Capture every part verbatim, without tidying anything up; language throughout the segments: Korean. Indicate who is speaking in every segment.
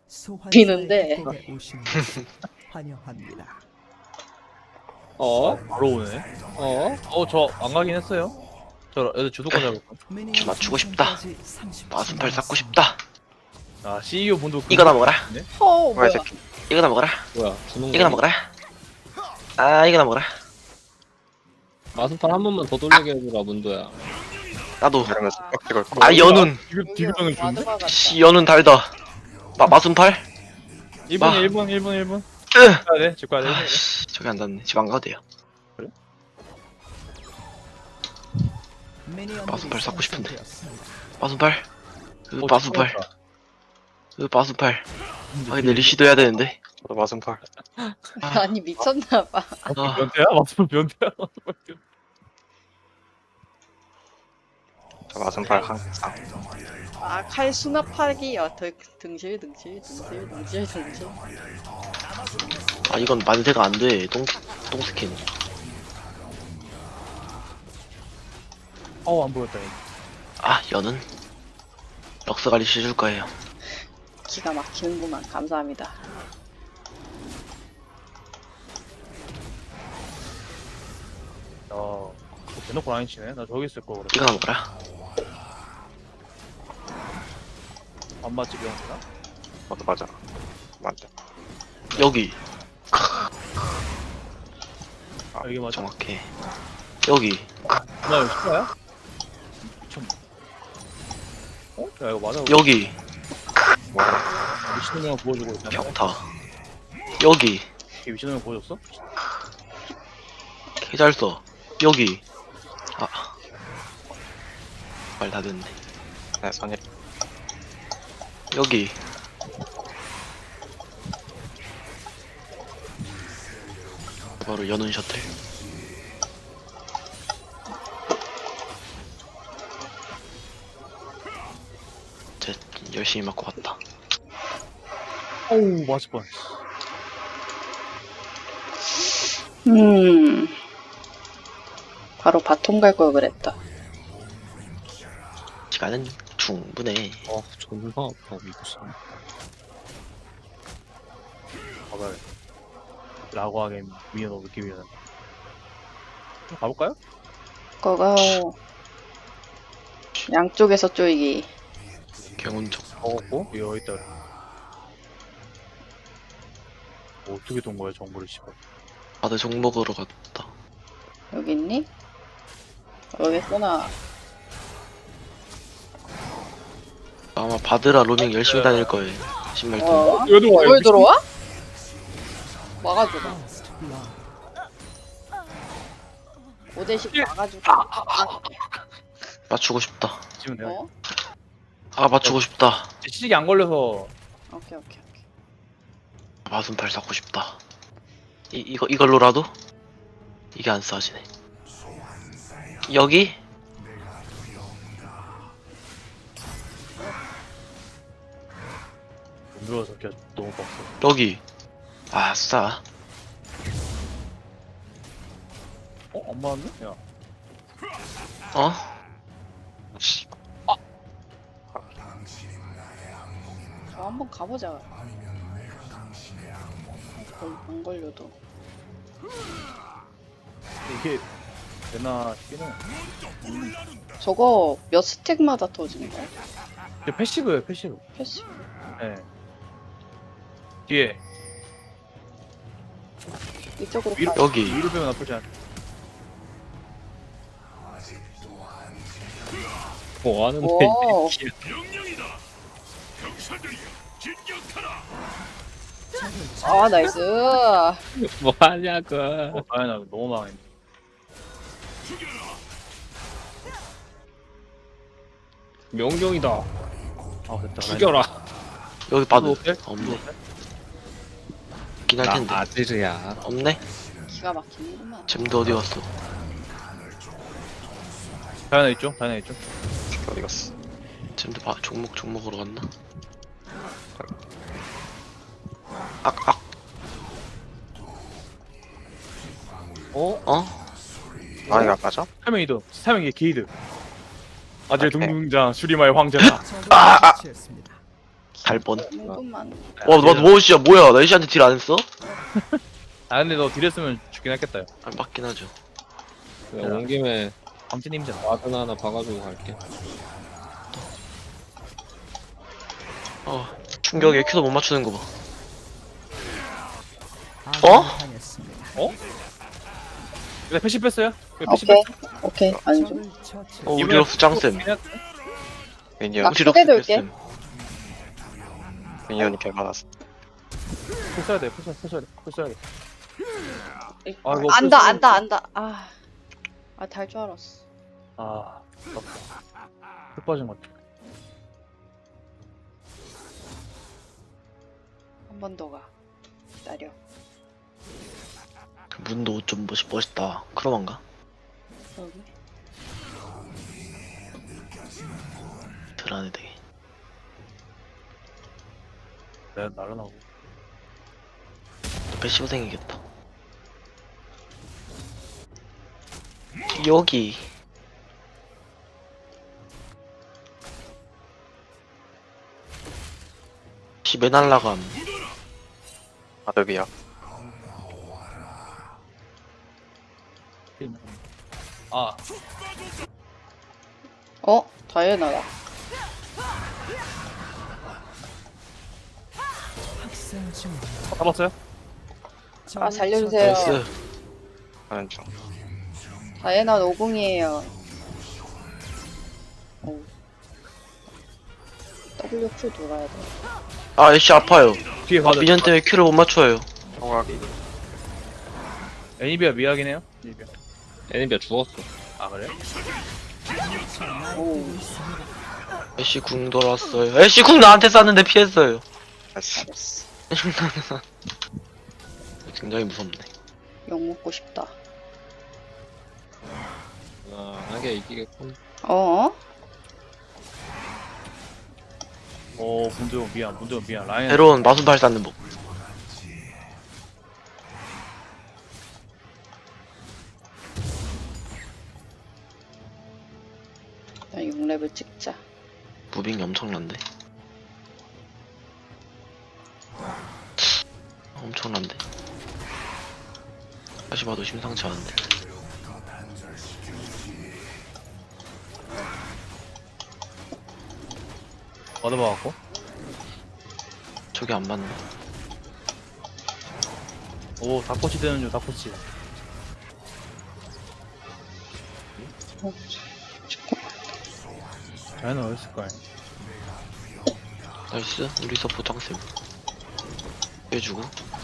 Speaker 1: 비는데.
Speaker 2: 환영합니다.
Speaker 3: 어?
Speaker 4: 바로 오네.
Speaker 3: 어?
Speaker 4: 어, 저 안 가긴 했어요. 저 애들 주도권 잡을 거.
Speaker 5: 맞추고 싶다. 마순팔 쌓고 싶다.
Speaker 4: 아, 씨이오 분도
Speaker 5: 이거나 먹어라.
Speaker 4: 네?
Speaker 1: 어
Speaker 5: 뭐야
Speaker 1: 뭐야?
Speaker 5: 이 새끼. 이거나 먹어라.
Speaker 3: 뭐야 주는
Speaker 5: 이거나
Speaker 3: 거
Speaker 5: 먹어라. 아 이거나 먹어라.
Speaker 3: 마스판 한 번만 더 돌리게 해주라 문도야.
Speaker 5: 나도.
Speaker 6: 이러면서 빡 걸 거.
Speaker 5: 아 연운.
Speaker 4: 디귿 디귿형을 주는데?
Speaker 1: 와드가
Speaker 5: 씨 연운 달다. 마 마순팔.
Speaker 4: 일 분,
Speaker 5: 마.
Speaker 4: 일 분, 일 분, 일 분.
Speaker 5: 으.
Speaker 4: 집 가야 돼, 집 가야 돼.
Speaker 5: 아, 씨, 저기 안 닿네. 집 안 가도 돼요. 마순팔 쌓고 싶은데. 마순팔. 으
Speaker 4: 어,
Speaker 5: 마순팔.
Speaker 4: 죽었다.
Speaker 5: 으 마순팔. 아 근데 리시도 해야 되는데.
Speaker 6: 저도 마순팔.
Speaker 1: 아니 미쳤나봐.
Speaker 5: 아
Speaker 4: 변태야? 맞으면 변태야?
Speaker 6: 저 마순팔 항상.
Speaker 1: 아칼 수납하기야. 더 등실 등실 등실 등실 등실.
Speaker 5: 아 이건 만세가 안 돼. 똥 똥스킨.
Speaker 4: 어우, 안 보였다. 이거.
Speaker 5: 아 연운. 럭스 관리 시줄 거예요.
Speaker 1: 기가 막히는구만. 감사합니다.
Speaker 4: 어, 대놓고 라인 치네. 나 저기 있을 거 그래.
Speaker 5: 이거나 먹어라.
Speaker 4: 안 맞지, 병이나?
Speaker 6: 맞아 맞아. 맞아.
Speaker 5: 여기
Speaker 4: 아, 이게 맞아.
Speaker 5: 정확해. 여기
Speaker 4: 나 이거 실화야? 좀. 어? 야, 이거 맞아.
Speaker 5: 여기
Speaker 4: 미친놈 보여주고 있잖아.
Speaker 5: 평타. 여기
Speaker 4: 이게 미친놈 보여줬어?
Speaker 5: 개잘 써. 여기 아 말 다 됐네.
Speaker 6: 네 선이.
Speaker 5: 여기 바로 연운 셔틀. 제 열심히 맞고 갔다.
Speaker 4: 어우, 맞을 뻔.
Speaker 1: 음. 바로 바통 갈 걸 그랬다.
Speaker 5: 시간은 충분해.
Speaker 3: 어 존나 아파 미쳤어.
Speaker 4: 봐봐요. 라고 하게 위에 넣기 위해서. 가볼까요?
Speaker 1: 거가 양쪽에서 쪼이기.
Speaker 5: 경운적.
Speaker 4: 먹었고, 이거 여기 있다. 그래. 뭐 어떻게 돈 거야, 정보를 씨발.
Speaker 5: 다들 종 먹으러 갔다.
Speaker 1: 여기 있니? 여기 있구나.
Speaker 5: 아마 바드라 로밍 열심히 다닐 거예요. 신발팀.
Speaker 1: 어?
Speaker 4: 여기 들어와,
Speaker 1: 뭘 들어와? 막아주라. 오 대씩 막아주고.
Speaker 5: 맞추고 싶다.
Speaker 4: 지금 내가
Speaker 1: 어?
Speaker 5: 아 맞추고 싶다.
Speaker 4: 시식이 안 걸려서
Speaker 1: 오케이 오케이 오케이.
Speaker 5: 마순팔 쌓고 싶다. 이 이거 이걸로라도 이게 안 싸지네. 여기
Speaker 4: 못 들어와서 그냥 너무 빡세.
Speaker 5: 여기 아싸.
Speaker 4: 어? 안 맞았네? 야.
Speaker 5: 어? 씨,
Speaker 1: 저 한번 가보자. 걸, 안 걸려도.
Speaker 4: 이게 되나 싶기는.
Speaker 1: 저거 몇 스택마다 터지는 거야?
Speaker 4: 이게 패시브예요, 패시브.
Speaker 1: 패시.
Speaker 4: 예. 네. 뒤에
Speaker 1: 이쪽으로
Speaker 4: 위로
Speaker 1: 가.
Speaker 5: 여기
Speaker 4: 위로 빼면 나쁘지 않아.
Speaker 3: 뭐 하는데
Speaker 1: 오.
Speaker 3: 이
Speaker 1: 아 나이스.
Speaker 3: 새끼. 뭐 하냐고.
Speaker 4: 어, 아니 나 너무 망했네.
Speaker 3: 명령이다.
Speaker 4: 아 됐다.
Speaker 3: 죽여라.
Speaker 5: 여기 바드
Speaker 4: 호텔?
Speaker 5: 없네. 있긴 할
Speaker 3: 나
Speaker 5: 텐데
Speaker 3: 아들이야.
Speaker 5: 없네.
Speaker 1: 기가 막히는구만.
Speaker 5: 잼도 어디 갔어?
Speaker 4: 다이나 있죠? 다이나 있죠?
Speaker 6: 어디 갔어?
Speaker 5: 잼도 바, 종목 종목으로 갔나? 악악
Speaker 4: 어?
Speaker 5: 어?
Speaker 6: 아 이거 맞아?
Speaker 4: 사명 이드. 사명 게이드. 아재
Speaker 6: 오케이.
Speaker 4: 등등장 수리마의 황제다.
Speaker 2: 아, 아.
Speaker 5: 갈 뻔.
Speaker 1: 궁금만.
Speaker 5: 와, 너, 뭐, 진짜 뭐야? 나 애쉬한테 딜 안 했어?
Speaker 4: 아 근데 너 딜했으면 죽긴 했겠다.
Speaker 5: 아, 맞긴 하죠.
Speaker 3: 그냥 온 김에
Speaker 4: 광진님이잖아.
Speaker 3: 와드 하나 박아주고 갈게.
Speaker 5: 어, 충격에 큐도 못 맞추는 거 봐. 어?
Speaker 4: 근데 패시 뺐어요? 왜 패시
Speaker 1: 오케이.
Speaker 4: 뺐어?
Speaker 1: 오케이. 안 줘.
Speaker 5: 어, 우디럭스 짱쌤.
Speaker 6: 미니언
Speaker 1: 아,
Speaker 5: 우디럭스
Speaker 1: 크게 돌게.
Speaker 5: 짱쌤.
Speaker 6: 미니언이 개 많았어.
Speaker 4: 풀 써야 돼. 풀 써야 돼. 풀 써야 돼. 풀 써야 돼. 아, 이거
Speaker 1: 안다
Speaker 4: 풀
Speaker 1: 안다 안다. 아. 아, 달 줄 알았어.
Speaker 4: 아, 아깝다. 풀 빠진 것 같아.
Speaker 1: 한 번 더 가. 기다려.
Speaker 5: 그 문도 좀 멋있, 멋있다. 크롬한가?
Speaker 1: 여기.
Speaker 5: 덜하네 되게.
Speaker 4: 내가 날아나고.
Speaker 5: 또 패시브 생기겠다. 여기. 집에 날라감.
Speaker 6: 아드비야.
Speaker 4: 아,
Speaker 1: 어? 다이애나다.
Speaker 4: 잡았어요?
Speaker 1: 아, 살려주세요.
Speaker 5: 나이스.
Speaker 6: 하는 중.
Speaker 1: 다이애나 오공이에요. 오. 더블유 큐 돌아야 돼.
Speaker 5: 아, 애쉬 아파요.
Speaker 4: 뒤에
Speaker 5: 아,
Speaker 4: 가자.
Speaker 5: 미년 때문에 큐를 못 맞춰요.
Speaker 6: 청각이
Speaker 4: 애니비아 미약이네요. 애니비아.
Speaker 3: 애니비아 죽었어.
Speaker 4: 아 그래?
Speaker 1: 오.
Speaker 5: 애쉬 궁 돌았어요. 애쉬 궁 나한테 쐈는데 피했어요.
Speaker 6: 나이스.
Speaker 1: 잘했어.
Speaker 5: 굉장히 무섭네.
Speaker 1: 욕 먹고 싶다.
Speaker 3: 아, 하게 이기겠군.
Speaker 1: 어?
Speaker 4: 오, 문도영 미안. 문도영 미안. 라인.
Speaker 5: 새로운 마순팔 쌓는 법.
Speaker 1: 나 육 렙을 찍자.
Speaker 5: 무빙이 엄청난데. 엄청난데. 다시 봐도 심상치 않은데.
Speaker 4: 얻어봐갖고.
Speaker 5: 저게 안 맞나?
Speaker 4: 오, 닭꼬치 되는 중. 닭꼬치.
Speaker 1: 어,
Speaker 4: 자연은 어딨을까?
Speaker 5: 나이스. 우리 서포 짱쌤. 빼주고.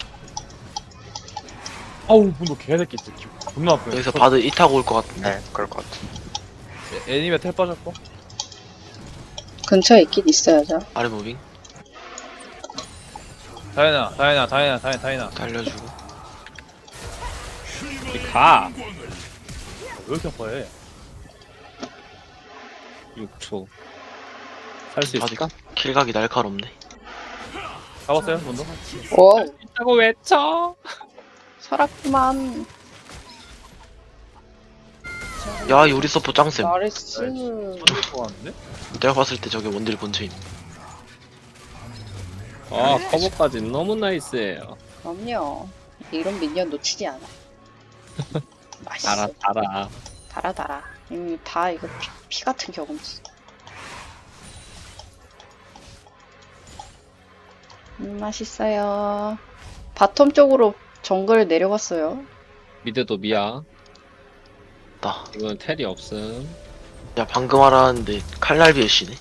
Speaker 4: 아우, 문도 개새끼 진짜. 존나 아프네.
Speaker 5: 여기서 바드 이 타고 올 것 같은데.
Speaker 6: 네, 그럴 것 같아.
Speaker 4: 애- 애니비아 텔 빠졌고.
Speaker 1: 근처에 있긴 있어야죠.
Speaker 5: 아래 무빙.
Speaker 4: 다이나, 다이나, 다이나, 다이나, 다이나.
Speaker 5: 달려주고.
Speaker 3: 가!
Speaker 4: 왜 이렇게 아파해?
Speaker 3: 육 초. 살 수
Speaker 5: 바드
Speaker 3: 있을까?
Speaker 5: 킬각이 날카롭네.
Speaker 4: 잡았어요, 문도?
Speaker 1: 오,
Speaker 3: 있다고 외쳐!
Speaker 1: 살았구만.
Speaker 5: 야, 이 우리 서포 짱쌤.
Speaker 1: 나이스.
Speaker 4: 손질 것 같은데?
Speaker 5: 내가 봤을 때 저게 원딜 본체임.
Speaker 3: 아, 커버까지 너무 나이스해요.
Speaker 1: 그럼요. 이런 미니언 놓치지 않아. 맛있어.
Speaker 3: 달아, 달아.
Speaker 1: 달아 달아. 음, 다 이거 피, 피 같은 경험치. 음, 맛있어요. 바텀 쪽으로 정글 내려갔어요.
Speaker 3: 미드도 미야.
Speaker 5: 나.
Speaker 3: 이건 텔이 없음.
Speaker 5: 야, 방금 알았는데 칼날비 애쉬네.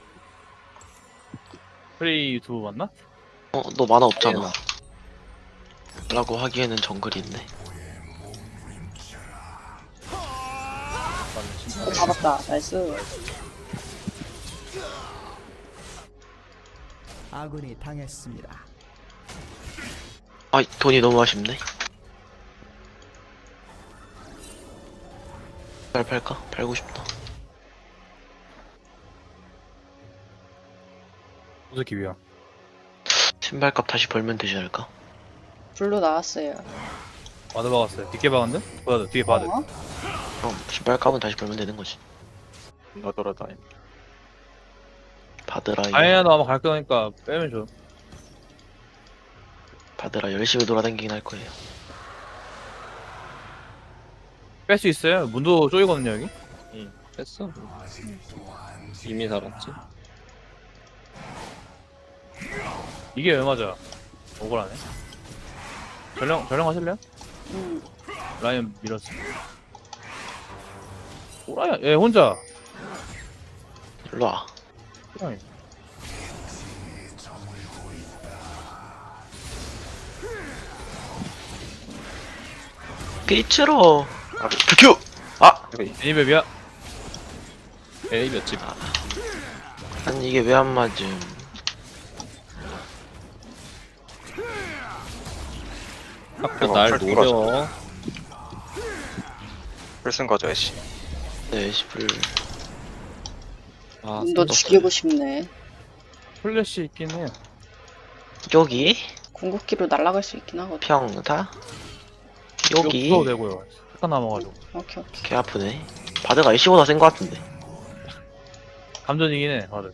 Speaker 4: 프레이 유튜브 맞나?
Speaker 5: 어, 너 만화 없잖아. 라고 하기에는 정글이 있네.
Speaker 4: 맞네, 진짜.
Speaker 1: 어, 잡았다. 나이스.
Speaker 2: 아군이 당했습니다.
Speaker 5: 아, 돈이 너무 아쉽네. 잘 팔까? 팔고 싶다.
Speaker 4: 무슨 위야?
Speaker 5: 신발값 다시 벌면 되지 않을까?
Speaker 1: 블루 나왔어요.
Speaker 4: 바드 박았어요. 뒷게 박았는데? 바드, 뒤에 바드.
Speaker 1: 어?
Speaker 5: 그럼 신발값은 다시 벌면 되는 거지.
Speaker 6: 너 돌아다니.
Speaker 5: 바드라 이-
Speaker 4: 다이애나도 아마 갈 거니까 빼면 줘.
Speaker 5: 바드라 열심히 돌아다니긴 할 거예요.
Speaker 4: 뺄 수 있어요? 문도 쪼이거든요 여기.
Speaker 3: 응 뺐어. 이미 살았지.
Speaker 4: 이게 왜 맞아? 억울하네. 전령 전령 하실래요?
Speaker 1: 음.
Speaker 4: 라이언 밀었어. 오라야 얘 혼자.
Speaker 5: 일로 와.
Speaker 4: 호랑이.
Speaker 5: 피치로. 큐. 아,
Speaker 4: 애니베비야.
Speaker 3: 에이 몇 집.
Speaker 5: 아니 이게 왜 안 맞음?
Speaker 3: 자꾸 날
Speaker 6: 풀
Speaker 3: 노려.
Speaker 6: 풀쓴 거죠, 애쉬.
Speaker 5: 네, 시플.
Speaker 3: 아
Speaker 1: 너
Speaker 3: 손
Speaker 1: 죽이고 싶네.
Speaker 4: 플래시 있긴 해.
Speaker 5: 여기
Speaker 1: 궁극기로 날아갈 수 있긴 하거든.
Speaker 5: 평타.
Speaker 4: 이거
Speaker 5: 여기
Speaker 4: 붙어도 되고요. 잠깐 남아가지고.
Speaker 1: 오케이 오케이.
Speaker 5: 개 아프네. 바드가 애쉬보다 센 거 같은데.
Speaker 4: 감전이긴 해. 다들.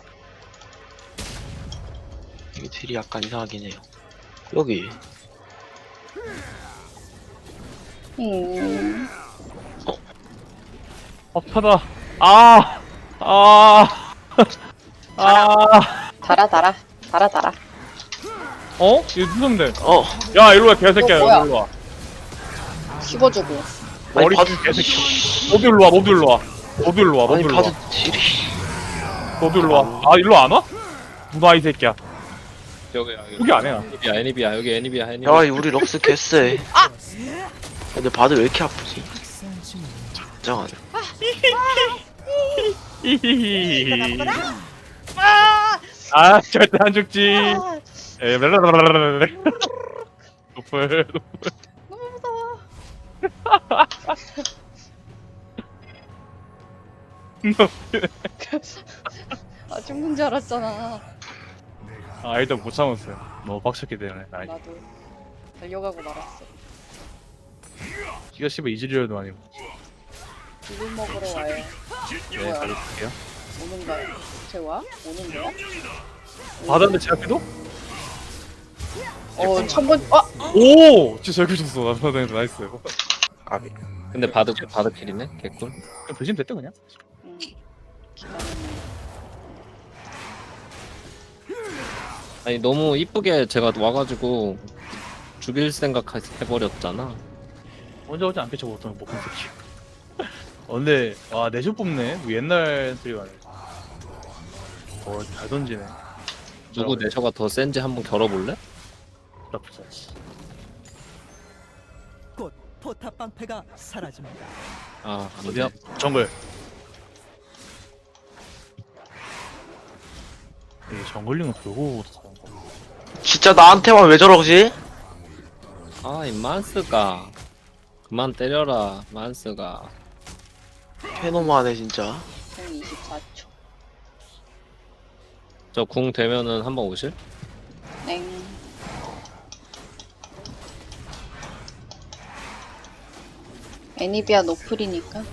Speaker 5: 여기 딜이 약간 이상하긴 해요. 여기
Speaker 1: 음.
Speaker 4: 아파다. 아. 아. 아.
Speaker 1: 달아 달아 달아 달아.
Speaker 4: 어? 이거 누군데?
Speaker 5: 어
Speaker 4: 야 일로 와 개새끼야.
Speaker 1: 너 뭐야?
Speaker 4: 일로 와.
Speaker 1: 씹어주고.
Speaker 5: 아니
Speaker 4: 머리
Speaker 5: 바드
Speaker 4: 개새끼. 너도 일로 와. 너도 일로 와. 너도 일로 와. 너도
Speaker 5: 아니
Speaker 4: 일로 와.
Speaker 5: 바드 딜이
Speaker 4: 너도 일로 와. 아 일로 안 와? 누나 이 새끼야.
Speaker 3: 여기 여기.
Speaker 4: 여기 안 해.
Speaker 3: 애니비야 애니비야 여기 애니비야 애니비야.
Speaker 5: 야 우리 럭스 개쎄. 근데 바드 왜 이렇게 아프지? 장하네.
Speaker 4: 히히히. 아 절대 안 죽지.
Speaker 1: 아,
Speaker 4: 에 랄랄랄랄랄랄. 노플.
Speaker 1: 너무 무서워. 아 죽는 줄 알았잖아.
Speaker 4: 아 일단 못 참았어요. 너무 빡쳤기 때문에. 아
Speaker 1: 나도 달려가고 말았어.
Speaker 4: 기가 씨발 이즈리얼도 아니고.
Speaker 1: 이걸 먹으러 와요.
Speaker 4: 네
Speaker 1: 뭐야?
Speaker 4: 가져올게요.
Speaker 1: 오는 거야? 쟤 와? 오는 거야?
Speaker 4: 바다인데 제 앞에도?
Speaker 1: 어, 천번 어,
Speaker 4: 오! 진짜 잘 켜줬어. 나바다에서 나이스.
Speaker 6: 까비.
Speaker 3: 근데 바드 바드 킬이네. 개꿀.
Speaker 4: 그냥 배신 됐다 그냥.
Speaker 1: 음. 기다렸네.
Speaker 3: 아니 너무 이쁘게 제가 와가지고 죽일 생각 해버렸잖아.
Speaker 4: 언제 오지 않겠죠 보통 목한 새끼. 어 근데 와 내쇼 뽑네. 뭐 옛날 소리가 아니야. 어잘 던지네.
Speaker 3: 누구 내셔가 더 센지 한번 겨뤄볼래?
Speaker 4: 나쁘지 않지.
Speaker 2: 곧 포탑 방패가 사라집니다.
Speaker 3: 아
Speaker 4: 어디야?
Speaker 3: 안돼.
Speaker 4: 정글. 이 정글링은 돌고 사는 거.
Speaker 5: 진짜 나한테만 왜 저러지?
Speaker 3: 아이 만스가 그만 때려라 만스가.
Speaker 5: 페노마네 진짜.
Speaker 1: 공 이십사 초.
Speaker 3: 저 궁 되면은 한번 오실?
Speaker 1: 땡. 애니비아 노플이니까.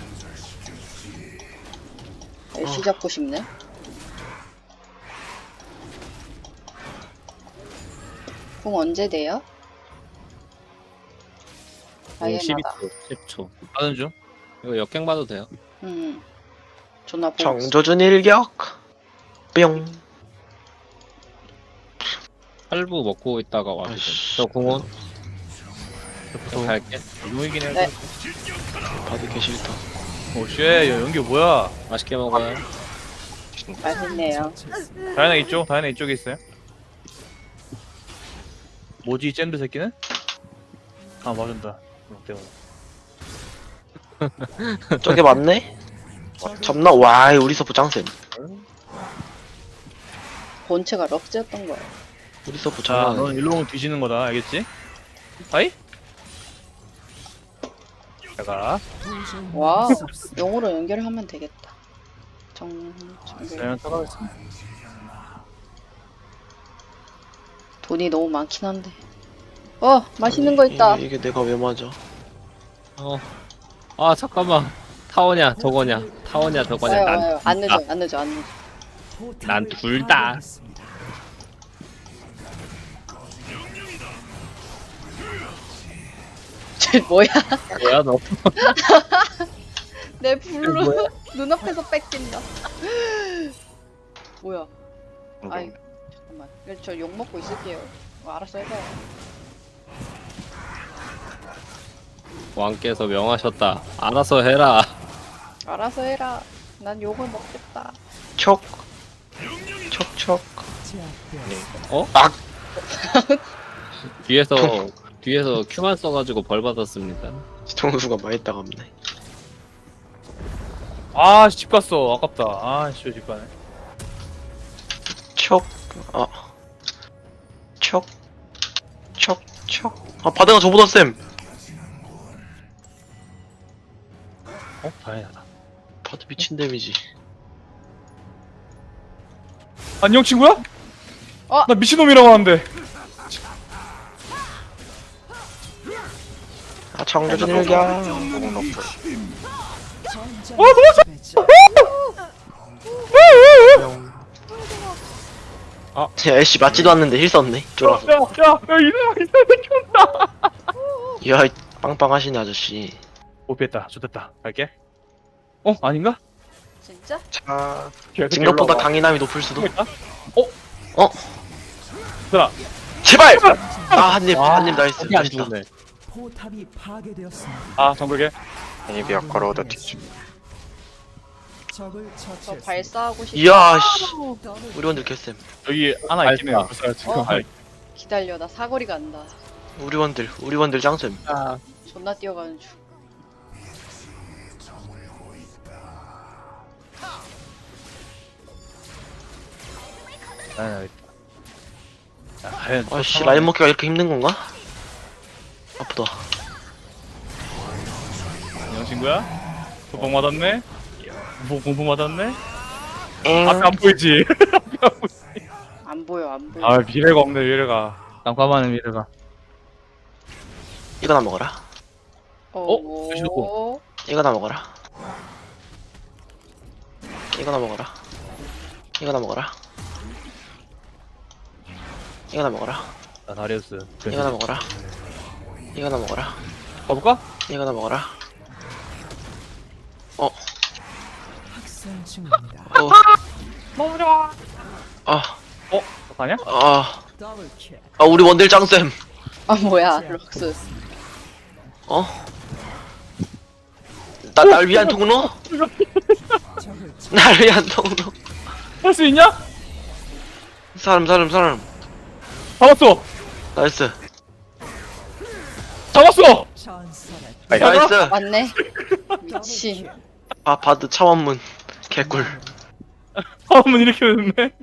Speaker 1: 열시
Speaker 5: 어.
Speaker 1: 잡고 싶네. 공 언제 돼요?
Speaker 3: 궁 십이
Speaker 1: 다이애나다.
Speaker 3: 초 십 초.
Speaker 4: 하는 중.
Speaker 3: 이거 역갱 봐도 돼요.
Speaker 1: 음. 존나 보고 있어.
Speaker 5: 정조준 일격. 뿅.
Speaker 3: 팔부 먹고 있다가 와도 돼.
Speaker 5: 아이씨.
Speaker 3: 저 궁원
Speaker 4: 무서워.
Speaker 3: 갈게.
Speaker 4: 이동이긴 해.
Speaker 1: 네.
Speaker 5: 바드 개 싫다.
Speaker 4: 오쉣 야 연기 뭐야?
Speaker 3: 맛있게 먹어요.
Speaker 1: 맛있네요.
Speaker 4: 다이나 이쪽? 다이나 이쪽에 있어요? 뭐지 이 잼드 새끼는? 아 맞은다. 그럼 때문에.
Speaker 5: 저게 맞네? 잡나? 와 우리 서프 짱쌤.
Speaker 1: 본체가 럭스였던 거야.
Speaker 5: 우리 서프
Speaker 4: 자,
Speaker 5: 장난
Speaker 4: 넌
Speaker 5: 아니야.
Speaker 4: 일로 오면 뒤지는 거다, 알겠지? 아이? 내가
Speaker 1: 와, 용으로 연결하면 되겠다. 정, 정글.
Speaker 4: 그냥 따라가겠어.
Speaker 1: 돈이 너무 많긴 한데. 어, 맛있는 거 있다.
Speaker 5: 이게, 이게 내가 왜 맞아?
Speaker 3: 어. 아 잠깐만. 타워냐 저거냐 타워냐 저거냐
Speaker 1: 와요,
Speaker 3: 난
Speaker 1: 와요. 안 늦어,
Speaker 3: 아,
Speaker 1: 안 늦어, 안 늦어.
Speaker 3: 난 둘 다.
Speaker 1: 쟤 뭐야?
Speaker 3: 뭐야 너?
Speaker 1: 내 블루 눈앞에서 뺏긴다. 뭐야? 아이 잠깐만. 저 욕 먹고 있을게요. 어, 알았어 해봐요.
Speaker 3: 왕께서 명하셨다. 알아서 해라.
Speaker 1: 알아서 해라. 난 욕을 먹겠다.
Speaker 6: 촉. 촉촉.
Speaker 3: 어?
Speaker 6: 아!
Speaker 3: 뒤에서 뒤에서 큐만 써가지고 벌 받았습니다.
Speaker 6: 뒤통수가 많이 따갑네.
Speaker 4: 아, 집 갔어. 아깝다. 아, 씨, 집 가네.
Speaker 6: 촉. 아. 촉. 촉. 촉. 아, 바다가 저보다 쌤.
Speaker 4: 어, 다행이다.
Speaker 6: 바다 미친 데미지.
Speaker 4: 안녕, 친구야?
Speaker 1: 어?
Speaker 4: 나 미친놈이라고 하는데.
Speaker 6: 아, 청교전 일격.
Speaker 4: 어, 도망쳐!
Speaker 6: 아, 야, 애쉬 맞지도 않는데 힐 썼네. 쫄아서.
Speaker 4: 야, 야, 야, 이놈아, 이 새끼 온다.
Speaker 6: 야, 이 빵빵하시네 아저씨.
Speaker 4: 못 피했다. 좋됐다. 갈게. 어, 아닌가?
Speaker 1: 진짜?
Speaker 6: 자,
Speaker 4: 계속
Speaker 6: 생각보다
Speaker 4: 올라와.
Speaker 6: 강인함이 높을 수도.
Speaker 4: 있다? 어?
Speaker 6: 어?
Speaker 4: 얘들아,
Speaker 6: 제발! 아, 한 입,
Speaker 4: 아,
Speaker 6: 한 입 나이스.
Speaker 3: 이게 안
Speaker 6: 맛있다.
Speaker 3: 죽네.
Speaker 2: 포탑이 파괴되었습니다.
Speaker 4: 아, 정글게.
Speaker 6: 애니비아 걸어오다 뒤지.
Speaker 2: 적을
Speaker 1: 저
Speaker 2: 처치했습니다.
Speaker 1: 발사하고 싶다.
Speaker 6: 이야, 씨. 우리 원들 개쌤.
Speaker 4: 여기 하나 있긴 해요.
Speaker 3: 알았어.
Speaker 4: 벌써 지금.
Speaker 1: 어? 기다려, 나 사거리 간다.
Speaker 6: 우리 원들, 우리 원들 짱쌤.
Speaker 3: 아,
Speaker 1: 존나 뛰어가는 중.
Speaker 4: 아, 야, 과연 또
Speaker 6: 아씨,
Speaker 4: 상황이-
Speaker 6: 라인 먹기가 이렇게 힘든 건가? 아프다.
Speaker 4: 안녕, 친구야. 도박 맞았네. 뭐 공부 맞았네.
Speaker 6: 엥.
Speaker 4: 앞에 안 보이지?
Speaker 1: 안 보여, 안 보여.
Speaker 4: 아, 미래가 없네, 미래가. 깜깜하네, 미래가.
Speaker 6: 이거나 먹어라.
Speaker 1: 어?
Speaker 4: 드시고.
Speaker 6: 이거나 먹어라. 이거나 먹어라. 이거나 먹어라. 이거나 먹어라.
Speaker 4: 나 다리우스.
Speaker 6: 이거나 먹어라. 이거나 먹어라.
Speaker 4: 가볼까?
Speaker 6: 이거나 먹어라.
Speaker 2: 학생 중입니다.
Speaker 6: 어. 아,
Speaker 4: 어? 가냐?
Speaker 6: 아,
Speaker 2: 더블 킬.
Speaker 6: 아, 우리 원딜 짱쌤.
Speaker 1: 아 뭐야, 럭스.
Speaker 6: 어? 나, 날 위한 통로?
Speaker 2: 적을 처-
Speaker 6: 날 위한 통로?
Speaker 4: 할 수 있냐?
Speaker 6: 사람, 사람, 사람.
Speaker 4: 잡았어!
Speaker 6: 나이스.
Speaker 4: 잡았어!
Speaker 2: 전설의
Speaker 6: 나이스.
Speaker 1: 맞네.
Speaker 2: 더블
Speaker 1: 미친.
Speaker 2: 킬.
Speaker 6: 아, 바드 차원문. 개꿀.
Speaker 4: 한번 이렇게 됐네.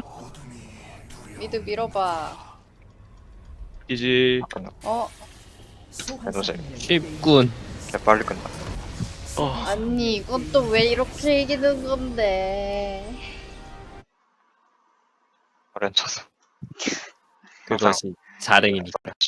Speaker 1: 미드 밀어봐.
Speaker 4: 이지.
Speaker 1: 어?
Speaker 2: 소환사님의
Speaker 3: 쉽군.
Speaker 6: 빨리 끝나. 어,
Speaker 1: 아니 이건 또 왜 이렇게 이기는 건데?
Speaker 6: 어렌 쳤어.
Speaker 3: 그것이 자랭이니까.